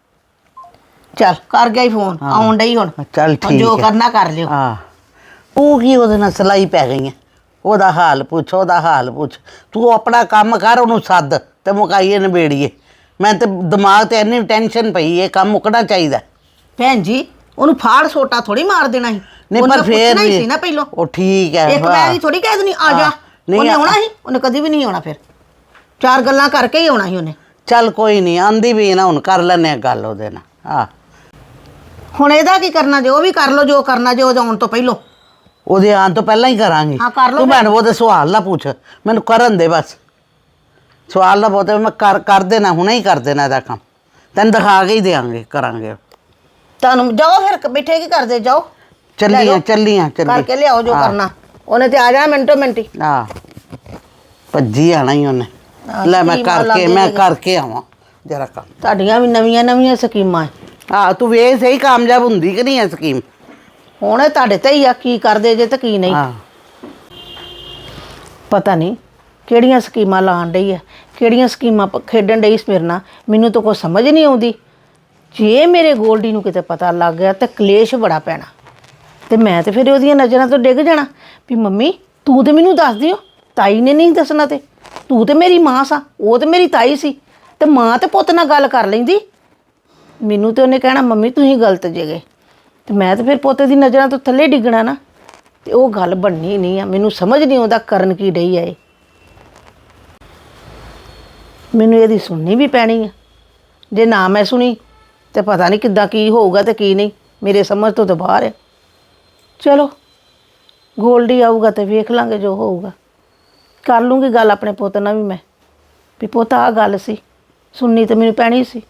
Speaker 3: ਚੱਲ ਕਰ ਗਿਆ ਹੀ ਫੋਨ, ਆਉਣ ਡਈ ਹੁਣ।
Speaker 4: ਚੱਲ
Speaker 3: ਹੁਣ
Speaker 4: ਠੀਕ
Speaker 3: ਜੋ
Speaker 4: ਹੈ।
Speaker 3: ਕਰਨਾ ਕਰ ਲਿਓ।
Speaker 4: ਹਾਂ, ਤੂੰ ਕੀ ਉਹਦੇ ਨਾਲ ਸਲਾਈ ਪੈ ਗਈ ਹੈ? ਉਹਦਾ ਹਾਲ ਪੁੱਛ, ਉਹਦਾ ਹਾਲ ਪੁੱਛ। ਤੂੰ ਆਪਣਾ ਕੰਮ ਕਰ, ਉਹਨੂੰ ਸੱਦ ਤੇ ਮੁਕਾਈਏ ਨਿਬੇੜੀਏ। ਮੈਂ ਤੇ ਦਿਮਾਗ ਤੇ ਇੰਨੀ ਟੈਨਸ਼ਨ ਪਈ, ਇਹ ਕੰਮ ਮੁੱਕਣਾ ਚਾਹੀਦਾ।
Speaker 3: ਭੈਣ ਜੀ ਉਹਨੂੰ ਫਾੜ ਸੋਟਾ ਥੋੜੀ ਮਾਰ ਦੇਣਾ ਸੀ।
Speaker 4: ਨਹੀਂ
Speaker 3: ਉਹਨੇ
Speaker 4: ਪਰ ਫੇਰ
Speaker 3: ਪੁੱਛਣਾ ਹੀ
Speaker 4: ਵੀ
Speaker 3: ਸੀ ਨਾ ਪਹਿਲੋਂ।
Speaker 4: ਉਹ ਠੀਕ ਹੈ।
Speaker 3: ਇੱਕ
Speaker 4: ਹਾਂ।
Speaker 3: ਵਾਰੀ ਥੋੜੀ ਕਹਿ ਦੇਣੀ ਆ ਜਾ।
Speaker 4: ਹਾਂ, ਨਹੀਂ
Speaker 3: ਉਹਨੇ ਆਉਣਾ ਸੀ, ਉਹਨੇ ਕਦੀ ਵੀ ਨਹੀਂ ਆਉਣਾ। ਫਿਰ ਚਾਰ ਗੱਲਾਂ ਕਰਕੇ ਹੀ ਆਉਣਾ ਸੀ ਉਹਨੇ।
Speaker 4: ਚੱਲ ਕੋਈ ਨਹੀਂ, ਆਂਦੀ ਵੀ ਨਾ, ਹੁਣ ਕਰ ਲੈਨੇ ਆ ਗੱਲ ਉਹਦੇ ਨਾਲ। ਹਾਂ,
Speaker 3: ਹੁਣ ਇਹਦਾ ਕੀ ਕਰਨਾ ਜੇ? ਉਹ ਵੀ ਕਰ ਲੋ ਜੋ ਕਰਨਾ ਜੇ ਉਹਦੇ ਆਉਣ ਤੋਂ ਪਹਿਲੋਂ।
Speaker 4: ਉਹਦੇ ਆਉਣ ਤੋਂ ਪਹਿਲਾਂ ਹੀ ਕਰਾਂਗੀ।
Speaker 3: ਹਾਂ, ਕਰ ਲਓ
Speaker 4: ਤੂੰ
Speaker 3: ਫਿਰ।
Speaker 4: ਮੈਨੂੰ ਉਹਦੇ ਸਵਾਲ ਨਾ ਪੁੱਛ, ਮੈਨੂੰ ਕਰਨ ਦੇ ਬਸ। ਸਵਾਲ ਨਾ ਪੁੱਛ, ਮੈਂ ਕਰ ਦੇਣਾ, ਹੁਣੇ ਹੀ ਕਰ ਦੇਣਾ ਇਹਦਾ ਕੰਮ। ਤੈਨੂੰ ਦਿਖਾ ਕੇ ਹੀ ਦੇਾਂਗੇ, ਕਰਾਂਗੇ।
Speaker 3: ਤੁਹਾਨੂੰ ਜਾਓ ਫਿਰ, ਬੈਠੇ ਕੀ ਕਰਦੇ? ਜਾਓ
Speaker 4: ਚੱਲੀਆਂ
Speaker 3: ਕਰਕੇ ਲਿਆਓ ਜੋ ਕਰਨਾ। ਉਹਨੇ ਤੇ ਆ ਜਾਣਾ ਮਿੰਟੋ ਮਿੰਟੀ।
Speaker 4: ਹਾਂ, ਭੱਜੀ ਆਣਾ ਹੀ ਉਹਨੇ।
Speaker 3: ਹਾਂ,
Speaker 4: ਲੈ ਮੈਂ
Speaker 3: ਸਕੀਮਾਂ
Speaker 4: ਕਰਕੇ
Speaker 3: ਲਾਉਂਦੇ
Speaker 4: ਆਵਾਂ ਜਰਾ ਕੰਮ।
Speaker 3: ਤੁਹਾਡੀਆਂ ਵੀ ਨਵੀਆਂ ਨਵੀਆਂ ਸਕੀਮਾਂ ਹੈ।
Speaker 4: ਹਾਂ, ਤੂੰ ਵੇਖ ਸਹੀ ਕਾਮਯਾਬ ਹੁੰਦੀ ਕਿ ਨਹੀਂ ਇਹ ਸਕੀਮ।
Speaker 3: ਹੁਣ ਇਹ ਤੁਹਾਡੇ ਤੇ ਹੀ ਆ, ਕੀ ਕਰਦੇ ਜੇ ਤੇ ਕੀ ਨਹੀਂ।
Speaker 4: ਹਾਂ,
Speaker 3: ਪਤਾ ਨਹੀਂ ਕਿਹੜੀਆਂ ਸਕੀਮਾਂ ਲਾਉਣ ਡਈ ਆ, ਕਿਹੜੀਆਂ ਸਕੀਮਾਂ ਖੇਡਣ ਡਈ ਇਸ ਮੇਰੇ ਨਾਲ, ਮੈਨੂੰ ਤਾਂ ਕੋਈ ਸਮਝ ਨਹੀਂ ਆਉਂਦੀ। ਜੇ ਮੇਰੇ ਗੋਲਡੀ ਨੂੰ ਕਿਤੇ ਪਤਾ ਲੱਗ ਗਿਆ ਤਾਂ ਕਲੇਸ਼ ਬੜਾ ਪੈਣਾ, ਤੇ ਮੈਂ ਤੇ ਫਿਰ ਉਹਦੀਆਂ ਨਜ਼ਰਾਂ ਤੋਂ ਡਿੱਗ ਜਾਣਾ ਵੀ ਮੰਮੀ ਤੂੰ ਤੇ ਮੈਨੂੰ ਦੱਸ ਦਿਓ, ਤਾਈ ਨੇ ਨਹੀਂ ਦੱਸਣਾ। ਤੇ ਤੂੰ ਤੇ ਮੇਰੀ ਮਾਂ ਸਾ, ਉਹ ਤੇ ਮੇਰੀ ਤਾਈ ਸੀ, ਤੇ ਮਾਂ ਤੇ ਪੁੱਤ ਨਾਲ ਗੱਲ ਕਰ ਲੈਂਦੀ। ਮੈਨੂੰ ਤੇ ਉਹਨੇ ਕਹਿਣਾ ਮੰਮੀ ਤੁਸੀਂ ਗਲਤ ਜੇਗੇ, ਤੇ ਮੈਂ ਤੇ ਫਿਰ ਪੋਤੇ ਦੀ ਨਜ਼ਰਾਂ ਤੋਂ ਥੱਲੇ ਡਿੱਗਣਾ ਨਾ। ਤੇ ਉਹ ਗੱਲ ਬਣਨੀ ਨਹੀਂ ਆ। ਮੈਨੂੰ ਸਮਝ ਨਹੀਂ ਆਉਂਦਾ ਕਰਨ ਕੀ ਡਈ ਆ ਇਹ। ਮੈਨੂੰ ਇਹਦੀ ਸੁਣਨੀ ਵੀ ਪੈਣੀ ਆ। ਜੇ ਨਾ ਮੈਂ ਸੁਣੀ ਤੇ ਪਤਾ ਨਹੀਂ ਕਿੱਦਾਂ ਕੀ ਹੋਊਗਾ ਤੇ ਕੀ ਨਹੀਂ, ਮੇਰੇ ਸਮਝ ਤੋਂ ਤਾਂ ਬਾਹਰ ਹੈ। ਚਲੋ ਗੋਲਡੀ ਆਊਗਾ ਤੇ ਵੇਖ ਲਾਂਗੇ ਜੋ ਹੋਊਗਾ। ਕਰ ਲੂੰਗੀ ਗੱਲ ਆਪਣੇ ਪੁੱਤ ਨਾਲ ਵੀ ਮੈਂ, ਵੀ ਪੁੱਤ ਆਹ ਗੱਲ ਸੀ, ਸੁਣਨੀ ਤੇ ਮੈਨੂੰ ਪੈਣੀ ਸੀ।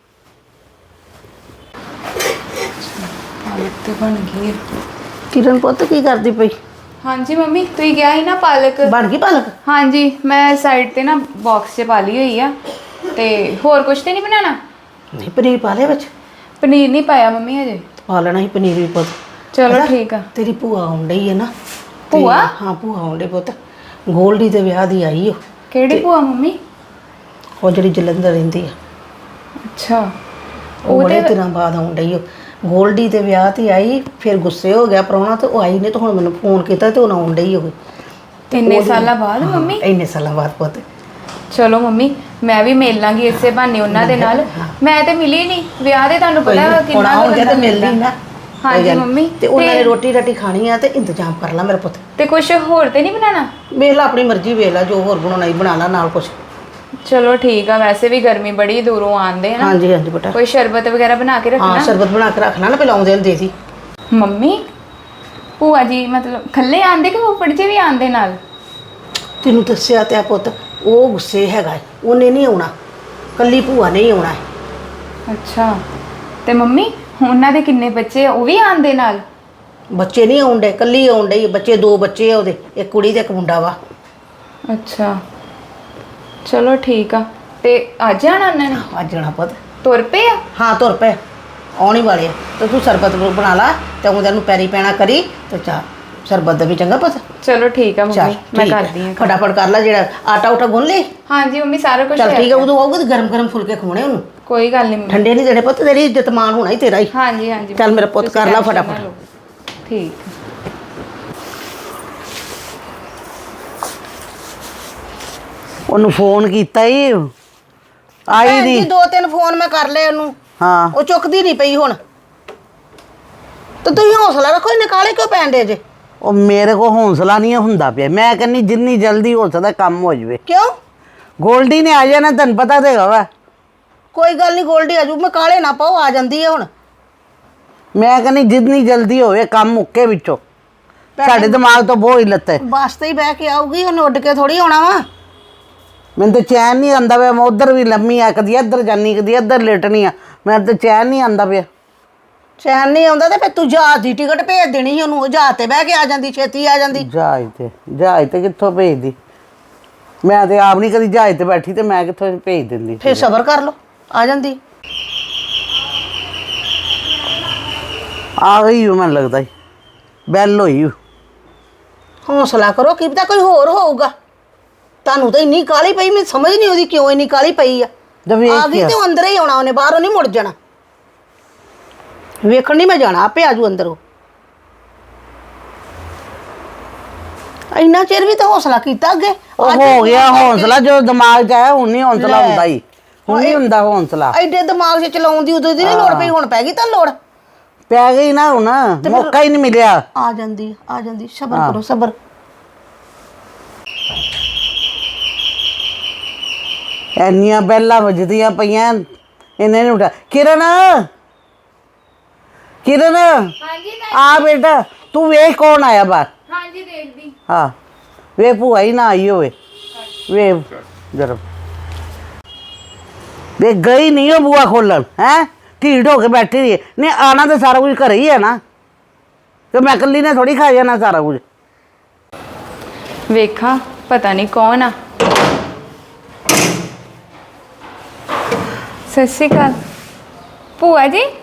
Speaker 2: ਪਾਲਕ ਤੇ ਬਣ ਗਈ ਹੈ।
Speaker 3: ਕਿਰਨ ਪੁੱਤ ਕੀ ਕਰਦੀ ਪਈ?
Speaker 2: ਹਾਂਜੀ ਮੰਮੀ, ਤੁਸੀਂ ਕਿਹਾ ਸੀ ਨਾ ਪਾਲਕ।
Speaker 3: ਬਣ ਗਈ ਪਾਲਕ?
Speaker 2: ਹਾਂਜੀ, ਮੈਂ ਸਾਈਡ ਤੇ ਨਾ ਬਾਕਸ 'ਚ ਪਾ ਲਈ ਹੋਈ ਆ। ਤੇ ਹੋਰ ਕੁਝ ਤੇ ਨਹੀਂ ਬਣਾਉਣਾ?
Speaker 3: ਨਹੀਂ ਪਨੀਰ ਪਾ ਲਿਆ ਵਿੱਚ?
Speaker 2: ਪਨੀਰ ਨਹੀਂ ਪਾਇਆ ਮੰਮੀ ਹਜੇ।
Speaker 3: ਪਾ ਲੈਣਾ ਸੀ ਪਨੀਰ ਵੀ ਪੁੱਤ।
Speaker 2: ਚਲੋ ਠੀਕ ਆ।
Speaker 3: ਤੇਰੀ ਭੂਆ ਆਉਣ ਡਈ ਹੈ ਨਾ।
Speaker 2: ਭੂਆ?
Speaker 3: ਹਾਂ ਭੂਆ ਆਉਣ ਡਈ ਪੁੱਤ, ਗੋਲਡੀ ਦੇ ਵਿਆਹ ਦੀ ਆਈ ਉਹ।
Speaker 2: ਕਿਹੜੀ ਭੂਆ ਮੰਮੀ?
Speaker 3: ਉਹ ਜਿਹੜੀ ਜਲੰਧਰ ਰਹਿੰਦੀ ਆ,
Speaker 2: ਅੱਛਾ,
Speaker 3: ਉਹ ਬੜੇ ਦਿਨਾਂ ਬਾਅਦ ਆਉਣ ਡਈ ਉਹ। ਗੋਲਡੀ ਦੇ ਵਿਆਹ ਤੇ ਆਈ, ਫਿਰ ਗੁੱਸੇ ਹੋ ਗਿਆ ਪ੍ਰਾਹੁਣਾ ਤੇ ਉਹ ਆਈ ਨੇ, ਤਾਂ ਹੁਣ ਮੈਨੂੰ ਫੋਨ ਕੀਤਾ ਤੇ ਉਹ ਆਉਣ ਡਈ ਹੋਵੇ।
Speaker 2: ਇੰਨੇ ਸਾਲਾਂ ਬਾਅਦ ਮੰਮੀ?
Speaker 3: ਇੰਨੇ ਸਾਲਾਂ ਬਾਅਦ ਪੁੱਤ।
Speaker 2: ਚਲੋ ਮੰਮੀ, ਮੈਂ ਵੀ ਮਿਲ ਲਾਂਗੀ ਇਸੇ ਬਹਾਨੇ ਉਹਨਾਂ ਦੇ ਨਾਲ। ਮੈਂ ਤੇ ਮਿਲੀ ਨਹੀਂ ਵਿਆਹ ਦੇ, ਤੁਹਾਨੂੰ ਪਤਾ ਕਿੰਨਾ
Speaker 3: ਹੁਣ ਜੇ ਤੇ ਮਿਲਦੀ ਨਾ।
Speaker 2: ਹਾਂਜੀ ਮੰਮੀ।
Speaker 3: ਤੇ ਉਹਨਾਂ ਨੇ ਰੋਟੀ ਰਾਟੀ ਖਾਣੀ ਆ ਤੇ ਇੰਤਜ਼ਾਮ ਕਰ ਲਾ ਮੇਰਾ ਪੁੱਤ।
Speaker 2: ਤੇ ਕੁਝ ਹੋਰ ਤੇ ਨਹੀਂ ਬਣਾਉਣਾ?
Speaker 3: ਵੇਖ ਲਾ ਆਪਣੀ ਮਰਜ਼ੀ, ਵੇਖ ਲਾ ਜੋ ਹੋਰ ਬਣਾਉਣਾ ਹੀ ਬਣਾ ਲਾ ਨਾਲ ਕੁਛ।
Speaker 2: ਚਲੋ ਠੀਕ ਆ, ਵੈਸੇ ਵੀ ਗਰਮੀ ਬੜੀ ਦੂਰੋਂ ਆਂਦੇ ਨਾ।
Speaker 3: ਹਾਂਜੀ ਹਾਂਜੀ ਬੇਟਾ।
Speaker 2: ਕੋਈ ਸ਼ਰਬਤ ਵਗੈਰਾ ਬਣਾ ਕੇ ਰੱਖਣਾ।
Speaker 3: ਹਾਂ ਸ਼ਰਬਤ ਬਣਾ ਕੇ ਰੱਖਣਾ ਨਾ, ਪਹਿਲਾਂ ਆਉਂਦੇ ਨੂੰ ਦੇ ਦੀ।
Speaker 2: ਮੰਮੀ ਭੂਆ ਜੀ ਮਤਲਬ ਖੱਲੇ ਆਂਦੇ ਕਿ ਫੁੱਫੜ ਜੀ ਵੀ ਆਂਦੇ ਨਾਲ?
Speaker 3: ਤੈਨੂੰ ਦੱਸਿਆ ਤੇ ਆ ਪੁੱਤ, ਉਹ ਗੁੱਸੇ ਹੈਗਾ, ਉਹਨੇ ਨਹੀਂ ਆਉਣਾ। ਕੱਲੀ ਭੂਆ ਨੇ ਹੀ ਆਉਣਾ ਹੈ।
Speaker 2: ਅੱਛਾ ਤੇ ਮੰਮੀ ਉਹਨਾਂ ਦੇ ਕਿੰਨੇ ਬੱਚੇ ਆ? ਉਹ ਵੀ ਆਂਦੇ ਨਾਲ?
Speaker 3: ਬੱਚੇ ਨਹੀਂ ਆਉਂਦੇ, ਕੱਲੀ ਆਉਣ ਡਈ। ਬੱਚੇ 2 ਬੱਚੇ ਆ ਉਹਦੇ, ਇੱਕ ਕੁੜੀ ਤੇ ਇੱਕ ਮੁੰਡਾ ਵਾ।
Speaker 2: ਅੱਛਾ ਚਲੋ ਠੀਕ ਆ। ਤੇ ਅੱਜ ਆਣਾ ਉਹਨਾਂ ਨੇ?
Speaker 3: ਅੱਜ ਜਾਣਾ ਪੁੱਤ।
Speaker 2: ਤੁਰ ਪਏ ਆ?
Speaker 3: ਹਾਂ ਤੁਰ ਪਏ, ਆਉਣ ਹੀ ਵਾਲੇ ਆ। ਤੇ ਤੂੰ ਸਰਬਤ ਬਣਾ ਲਾ ਤੇ ਉਹਦੇ ਨੂੰ ਪੈਰੀ ਪੈਣਾ ਕਰੀ ਤੇ ਚਾਹ ਸਰਬਤ ਦਾ ਵੀ ਚੰਗਾ ਪੁੱਤ।
Speaker 2: ਚਲੋ ਠੀਕ ਆ
Speaker 3: ਚੱਲ
Speaker 2: ਮੰਮੀ, ਮੈਂ
Speaker 3: ਠੀਕ ਹੈ।
Speaker 2: ਕਰਦੀ ਆ।
Speaker 3: ਫਟਾਫਟ ਕਰ ਲੈ, ਜਿਹੜਾ ਆਟਾ ਉਟਾ ਗੁੰਨ ਲਈ।
Speaker 2: ਹਾਂਜੀ ਮੰਮੀ ਸਾਰਾ ਕੁਝ
Speaker 3: ਚੱਲ ਠੀਕ ਹੈ, ਉਦੋਂ ਆਊਗਾ ਤੇ ਗਰਮ ਗਰਮ ਫੁਲਕੇ ਖਵਾਉਣੇ ਉਹਨੂੰ।
Speaker 2: ਕੋਈ ਗੱਲ ਨਹੀਂ ਮੰਮੀ।
Speaker 3: ਠੰਡੇ ਨਹੀਂ ਦੇਣੇ ਪੁੱਤ, ਤੇਰੀ ਇੱਜ਼ਤ ਮਾਨ ਹੋਣਾ ਹੀ ਤੇਰਾ ਹੀ।
Speaker 2: ਹਾਂਜੀ ਹਾਂਜੀ
Speaker 3: ਚੱਲ ਮੇਰਾ ਪੁੱਤ
Speaker 2: ਤੁਸੀਂ
Speaker 3: ਕਰ ਲਾ
Speaker 2: tension ਨਾ
Speaker 3: ਫਟਾਫਟ।
Speaker 2: ਲਓ। ਠੀਕ।
Speaker 4: ਉਹਨੂੰ ਫੋਨ ਕੀਤਾ ਹੀ ਆਈ
Speaker 3: ਭੈਣ ਜੀ
Speaker 4: ਨਹੀਂ।
Speaker 3: 2-3 ਫੋਨ ਮੈਂ ਕਰ ਲਏ ਉਹਨੂੰ,
Speaker 4: ਹਾਂ
Speaker 3: ਉਹ ਚੁੱਕਦੀ ਨਹੀਂ ਪਈ ਹੁਣ। ਤੇ ਤੁਸੀਂ ਹੌਸਲਾ ਰੱਖੋ, ਇਹਨੇ ਕਾਲੇ ਕਿਉਂ ਪੈਣ ਦੇ ਜੇ?
Speaker 4: ਉਹ ਮੇਰੇ ਕੋ ਹੌਸਲਾ ਨਹੀਂ ਹੁੰਦਾ ਪਿਆ। ਮੈਂ ਕਹਿੰਦੀ ਜਿੰਨੀ ਜਲਦੀ ਹੋ ਸਕਦਾ ਕੰਮ ਹੋ ਜਾਵੇ।
Speaker 3: ਕਿਉਂ?
Speaker 4: ਗੋਲਡੀ ਨੇ ਆ ਜਾਣਾ, ਤੈਨੂੰ ਪਤਾ ਤੇ ਹੈਗਾ ਵਾ।
Speaker 3: ਕੋਈ ਗੱਲ ਨਹੀਂ, ਗੋਲਡੀ ਆਜੂ। ਮੈਂ ਕਾਲੇ ਨਾ ਪਾਓ, ਆ ਜਾਂਦੀ ਹੈ ਹੁਣ।
Speaker 4: ਮੈਂ ਕਹਿੰਦੀ ਜਿੰਨੀ ਜਲਦੀ ਹੋਵੇ ਕੰਮ ਮੁੱਕੇ ਵਿੱਚੋਂ। ਸਾਡੇ ਦਿਮਾਗ ਤੋਂ ਬਹੁਤ ਹੀ ਲੱਤੇ।
Speaker 3: ਬੱਸ ਤੇ ਹੀ ਬਹਿ ਕੇ ਆਊਗੀ, ਉਹਨੇ ਉੱਡ ਕੇ ਥੋੜੀ ਆਉਣਾ ਵਾ।
Speaker 4: ਮੈਨੂੰ ਤਾਂ ਚੈਨ ਨਹੀਂ ਆਉਂਦਾ ਪਿਆ। ਮੈਂ ਉੱਧਰ ਵੀ ਲੰਮੀ ਆ, ਕਦੀ ਇੱਧਰ ਜਾਨੀ ਕਦੀ ਇੱਧਰ ਲੇਟਣੀ ਆ। ਮੈਨੂੰ ਤਾਂ ਚੈਨ ਨਹੀਂ ਆਉਂਦਾ ਪਿਆ।
Speaker 3: ਚੈਨ ਨਹੀਂ ਆਉਂਦਾ ਤੇ ਫਿਰ ਤੂੰ ਜਹਾਜ਼ ਦੀ ਟਿਕਟ ਭੇਜ ਦੇਣੀ ਸੀ ਉਹਨੂੰ। ਜਹਾਜ਼ ਤੇ ਬਹਿ ਕੇ ਆ ਜਾਂਦੀ, ਛੇਤੀ ਆ ਜਾਂਦੀ।
Speaker 4: ਜਹਾਜ਼ ਤੇ ਕਿੱਥੋਂ ਭੇਜਦੀ? ਮੈਂ ਤੇ ਆਪ ਨਹੀਂ ਕਦੀ ਜਹਾਜ਼ ਤੇ ਬੈਠੀ, ਤੇ ਮੈਂ ਕਿੱਥੋਂ ਭੇਜ ਦਿੰਦੀ?
Speaker 3: ਫਿਰ ਸਬਰ ਕਰ ਲਓ, ਆ ਜਾਂਦੀ।
Speaker 4: ਆ ਗਈ ਹੂੰ, ਮੈਨੂੰ ਲੱਗਦਾ ਈ। ਬੈਲ ਹੋਈ ਹੂੰ।
Speaker 3: ਹੌਸਲਾ ਕਰੋ, ਕੀ ਪਤਾ ਕੋਈ ਹੋਰ ਹੋਊਗਾ। ਤੁਹਾਨੂੰ ਤਾਂ ਇੰਨੀ ਕਾਲੀ ਪਈ, ਮੈਨੂੰ ਸਮਝ ਨਹੀਂ ਆਉਂਦੀ ਕਿਉਂ ਇੰਨੀ ਕਾਲੀ ਪਈ ਆ। ਆ ਗਈ ਤੇ ਉਹ ਅੰਦਰ ਹੀ ਆਉਣਾ ਉਹਨੇ, ਬਾਹਰੋਂ ਨਹੀਂ ਮੁੜ ਜਾਣਾ। ਵੇਖਣ ਨਹੀਂ ਮੈਂ ਜਾਣਾ, ਆਪੇ ਆਜੂ ਅੰਦਰੋਂ। ਇੰਨਾ ਚਿਰ ਵੀ ਤਾਂ ਹੌਸਲਾ ਕੀਤਾ ਅੱਗੇ।
Speaker 4: ਉਹ ਹੋ ਗਿਆ ਹੌਸਲਾ, ਜੋ ਦਿਮਾਗ 'ਚ ਆਇਆ। ਹੁਣ ਨਹੀਂ ਹੌਸਲਾ ਹੁੰਦਾ ਹੀ, ਹੁਣ ਨਹੀਂ ਹੁੰਦਾ ਹੌਸਲਾ।
Speaker 3: ਐਡੇ ਦਿਮਾਗ 'ਚ ਚਲਾਉਣ ਦੀ ਉਦੋਂ ਦੀ ਨਹੀਂ ਲੋੜ ਪਈ, ਹੁਣ ਪੈ ਗਈ ਤਾਂ ਲੋੜ।
Speaker 4: ਪੈ ਗਈ ਨਾ ਹੁਣ, ਮੌਕਾ ਹੀ ਨਹੀਂ ਮਿਲਿਆ।
Speaker 3: ਆ ਜਾਂਦੀ, ਆ ਜਾਂਦੀ। ਸਬਰ ਕਰੋ, ਸਬਰ।
Speaker 4: ਇੰਨੀਆਂ ਬੈਲਾਂ ਵੱਜਦੀਆਂ ਪਈਆਂ, ਇਹਨੇ ਨਹੀਂ ਉਠਾ। ਕਿਰਨ, ਕਿਰਨ
Speaker 2: ਹਾਂਜੀ
Speaker 4: ਆ ਬੇਟਾ, ਤੂੰ ਵੇਖ ਕੌਣ ਆਇਆ ਬਾਹਰ।
Speaker 2: ਹਾਂਜੀ ਦੇਖਦੀ।
Speaker 4: ਹਾਂ ਵੇ, ਭੂਆ ਹੀ ਨਾ ਆਈ ਹੋਵੇ। ਵੇ ਜਰਾ ਵੇ, ਗਈ ਨਹੀਂ ਉਹ ਬੂਆ ਖੋਲਣ। ਹੈ ਢੀਠ ਹੋ ਕੇ ਬੈਠੀ ਰਹੀ। ਨਹੀਂ ਆਣਾ ਤਾਂ ਸਾਰਾ ਕੁਝ ਘਰੇ ਹੀ ਹੈ ਨਾ, ਤੇ ਮੈਂ ਇਕੱਲੀ ਨੇ ਥੋੜੀ ਖਾ ਜਾਣਾ ਸਾਰਾ ਕੁਝ।
Speaker 2: ਵੇਖਾਂ ਪਤਾ ਨਹੀਂ ਕੌਣ ਆ। ਸਤਿ ਸ਼੍ਰੀ ਅਕਾਲ ਭੂਆ ਜੀ।